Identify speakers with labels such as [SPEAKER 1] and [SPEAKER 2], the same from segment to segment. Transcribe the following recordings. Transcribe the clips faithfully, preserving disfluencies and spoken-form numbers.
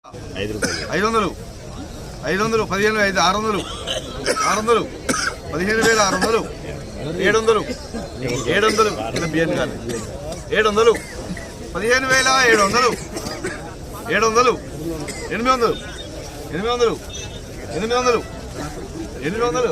[SPEAKER 1] ఐదు వందలు ఐదు వందలు పదిహేను ఐదు ఆరు వందలు ఆరు వందలు పదిహేను వేల ఆరు వందలు ఏడు వందలు ఏడు వందలు బియ్యం కానీ ఏడు వందలు పదిహేను వేల ఏడు వందలు ఏడు వందలు ఎనిమిది వందలు ఎనిమిది వందలు ఎనిమిది వందలు ఎనిమిది వందలు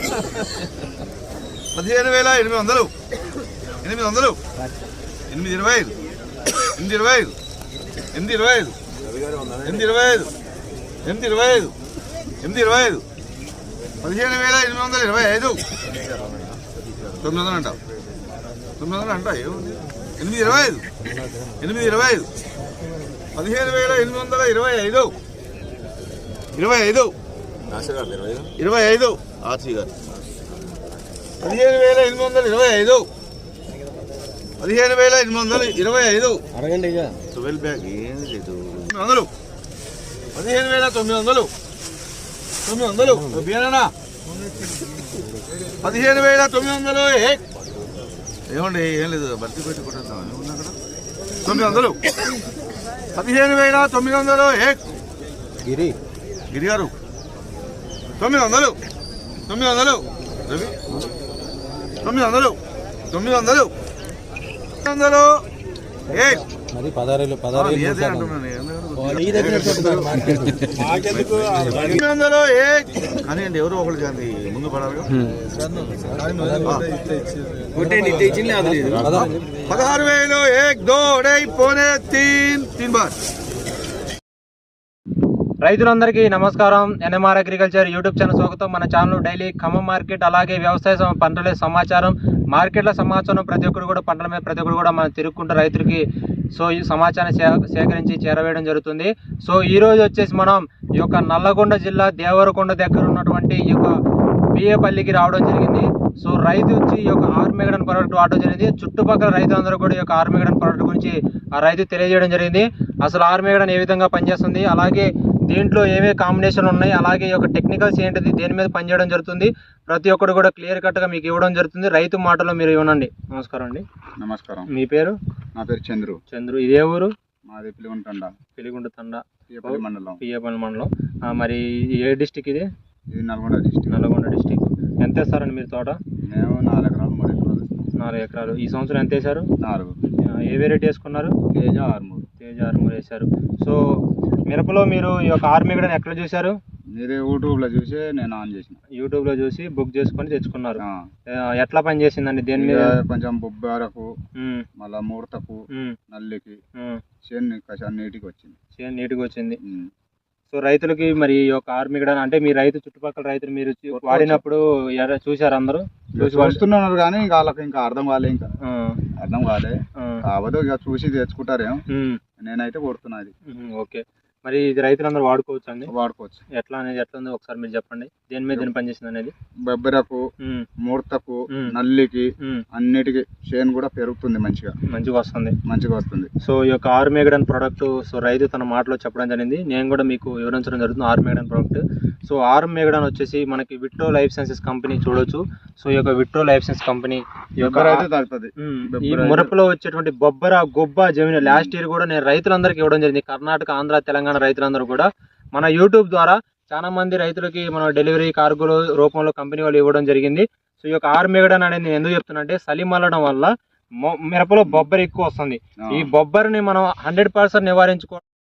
[SPEAKER 1] పదిహేను వేల ఎనిమిది వందలు ఎనిమిది వందలు ఎనిమిది ఇరవై ఐదు ఎనిమిది ఇరవై ఐదు ఎనిమిది ఇరవై ఐదు ఎనిమిది ఇరవై ఐదు ఎనిమిది ఇరవై ఐదు ఎనిమిది ఇరవై ఐదు పదిహేను వేల ఎనిమిది వందల ఇరవై ఐదు తొమ్మిది వందలు అంట తొమ్మిది వందలు అంట ఏముంది ఎనిమిది ఇరవై ఐదు ఎనిమిది ఇరవై ఐదు పదిహేను వేల ఎనిమిది వందల ఇరవై ఐదు ఇరవై ఐదు ఇరవై ఐదు ఆర్సీ గారు పదిహేను వేల ఎనిమిది వందల ఇరవై ఐదు పదిహేను వేల ఎనిమిది వందల ఇరవై ఐదు అడగండి ట్వెల్వ్ బ్యాగ్ ఏమి లేదు వందలు పదిహేను వేల తొమ్మిది వందలు తొమ్మిది వందలు బియ్యనా పదిహేను వేల తొమ్మిది వందలు ఏమండి ఏం లేదు భర్తీ పెట్టుకుంటాం ఏముంది అక్కడ తొమ్మిది వందలు పదిహేను వేల తొమ్మిది వందలు గిరి గిరి గారు తొమ్మిది వందలు తొమ్మిది వందలు రవి తొమ్మిది వందలు తొమ్మిది వందలు వందలు
[SPEAKER 2] పదహారు పదహారు
[SPEAKER 1] వందలు కానీ అండి ఎవరు ఒకళ్ళు కానీ ముందు పడాలి పదహారు వేలు ఏక్ దో ఢై పోనే తీన్ తీన్ బార్.
[SPEAKER 3] రైతులందరికీ నమస్కారం. ఎన్ఎంఆర్ అగ్రికల్చర్ యూట్యూబ్ ఛానల్ స్వాగతం. మన ఛానల్ డైలీ ఖమ్మం మార్కెట్ అలాగే వ్యవసాయ పంటల సమాచారం, మార్కెట్ల సమాచారం, ప్రతి ఒక్కరు కూడా పంటల మీద ప్రతి ఒక్కరు కూడా మనం తిరుగుకుంటూ రైతులకి సో ఈ సమాచారాన్ని సేకరించి చేరవేయడం జరుగుతుంది. సో ఈ రోజు వచ్చేసి మనం ఈ యొక్క నల్లగొండ జిల్లా దేవరకొండ దగ్గర ఉన్నటువంటి ఈ యొక్క బియ్యపల్లికి రావడం జరిగింది. సో రైతు వచ్చి ఈ యొక్క ఆర్మేగడన్ ప్రోడక్ట్ వాడడం జరిగింది. చుట్టుపక్కల రైతులందరూ కూడా ఈ యొక్క ఆర్మేగడన్ ప్రోడక్ట్ గురించి ఆ రైతు తెలియజేయడం జరిగింది. అసలు ఆర్మేగడన్ ఏ విధంగా పనిచేస్తుంది, అలాగే దీంట్లో ఏమేమి కాంబినేషన్ ఉన్నాయి, అలాగే ఈ యొక్క టెక్నికల్స్ ఏంటిది, దేని మీద పనిచేయడం జరుగుతుంది, ప్రతి ఒక్కరు కూడా క్లియర్ కట్గా మీకు ఇవ్వడం జరుగుతుంది. రైతు మాటలో మీరు ఇవ్వనండి. నమస్కారం అండి.
[SPEAKER 1] నమస్కారం.
[SPEAKER 3] మీ పేరు?
[SPEAKER 1] నా పేరు చంద్రు.
[SPEAKER 3] చంద్రు. ఇదే ఊరు?
[SPEAKER 1] మాది పిలిగుంట తండా.
[SPEAKER 3] పిలిగుంట తండా
[SPEAKER 1] పియ్యపల్లి మండలం.
[SPEAKER 3] పియ్యపల్లి మండలం. మరి ఏ డిస్టిక్ ఇది?
[SPEAKER 1] ఇది నల్గొండ డిస్టిక్.
[SPEAKER 3] నల్గొండ డిస్టిక్. ఎంత వేస్తారండి మీరు తోట?
[SPEAKER 1] మేము నాలుగు ఎకరాలు మూడు ఎకరాలు.
[SPEAKER 3] నాలుగు ఎకరాలు. ఈ సంవత్సరం ఎంత వేశారు?
[SPEAKER 1] నాలుగు.
[SPEAKER 3] ఏ వెరైటీ వేసుకున్నారు?
[SPEAKER 1] తేజ ఆర్మూర్.
[SPEAKER 3] తేజ ఆర్మూర్ వేశారు. సో మిరపలో మీరు ఈ యొక్క ఆర్మేగడన్ ఎక్కడ చూశారు?
[SPEAKER 1] మీరే యూట్యూబ్లో చూసి నేను ఆన్ చేసిన.
[SPEAKER 3] యూట్యూబ్లో చూసి బుక్ చేసుకొని తెచ్చుకున్నారు. ఎట్లా పని చేసిందండి? దేని మీద?
[SPEAKER 1] కొంచెం బొబ్బరకు, మళ్ళా ముడతకు, నల్లికి, చేను నీటికి వచ్చింది.
[SPEAKER 3] చేను నీటికి వచ్చింది. సో రైతులకి మరి ఈ యొక్క ఆర్మేగడన్ అంటే మీ రైతు చుట్టుపక్కల రైతులు మీరు వాడినప్పుడు చూసారు అందరూ?
[SPEAKER 1] చూసి వస్తున్నారు కానీ ఇంకా వాళ్ళకి ఇంకా అర్థం కాలే, ఇంకా అర్థం కాలే కావద్దు ఇక చూసి తెచ్చుకుంటారేమో. నేనైతే కొడుతున్నది.
[SPEAKER 3] ఓకే. మరి ఇది రైతులందరూ వాడుకోవచ్చు అండి?
[SPEAKER 1] వాడుకోవచ్చు.
[SPEAKER 3] ఎట్లా అనేది ఎట్లా ఉంది ఒకసారి మీరు చెప్పండి. దేని మీద దేని పనిచేసింది అనేది?
[SPEAKER 1] బొబ్బరకు, ముడతకు, నల్లికి, అన్నిటికి చేను కూడా పెరుగుతుంది. మంచిగా
[SPEAKER 3] మంచిగా వస్తుంది. మంచిగా
[SPEAKER 1] వస్తుంది.
[SPEAKER 3] సో ఈ యొక్క ఆర్మేగడన్ ప్రోడక్ట్ సో రైతు తన మాటలో చెప్పడం జరిగింది. నేను కూడా మీకు వివరించడం జరుగుతుంది ఆర్మేగడన్ ప్రోడక్ట్. సో ఆర్మేగడన్ వచ్చేసి మనకి విట్రో లైఫ్ సైన్సెస్ కంపెనీ చూడొచ్చు. సో ఈ యొక్క విట్రో లైఫ్ సైన్స్ కంపెనీ ఈ మురపలో వచ్చేటువంటి బొబ్బర, గొబ్బ, జమీన్ లాస్ట్ ఇయర్ కూడా నేను రైతులందరికీ ఇవ్వడం జరిగింది. కర్ణాటక, ఆంధ్ర, తెలంగాణ రైతులందరూ కూడా మన యూట్యూబ్ ద్వారా చాలా మంది రైతులకి మన డెలివరీ కార్గోల రూపంలో కంపెనీ వాళ్ళు ఇవ్వడం జరిగింది. సో ఈ యొక్క ఆర్మేగడన్ అనేది నేను ఎందుకు చెప్తున్నా అంటే చలి మల్లడం వల్ల మిరపలో బొబ్బర ఎక్కువ వస్తుంది. ఈ బొబ్బరిని మనం హండ్రెడ్ పర్సెంట్ నివారించుకో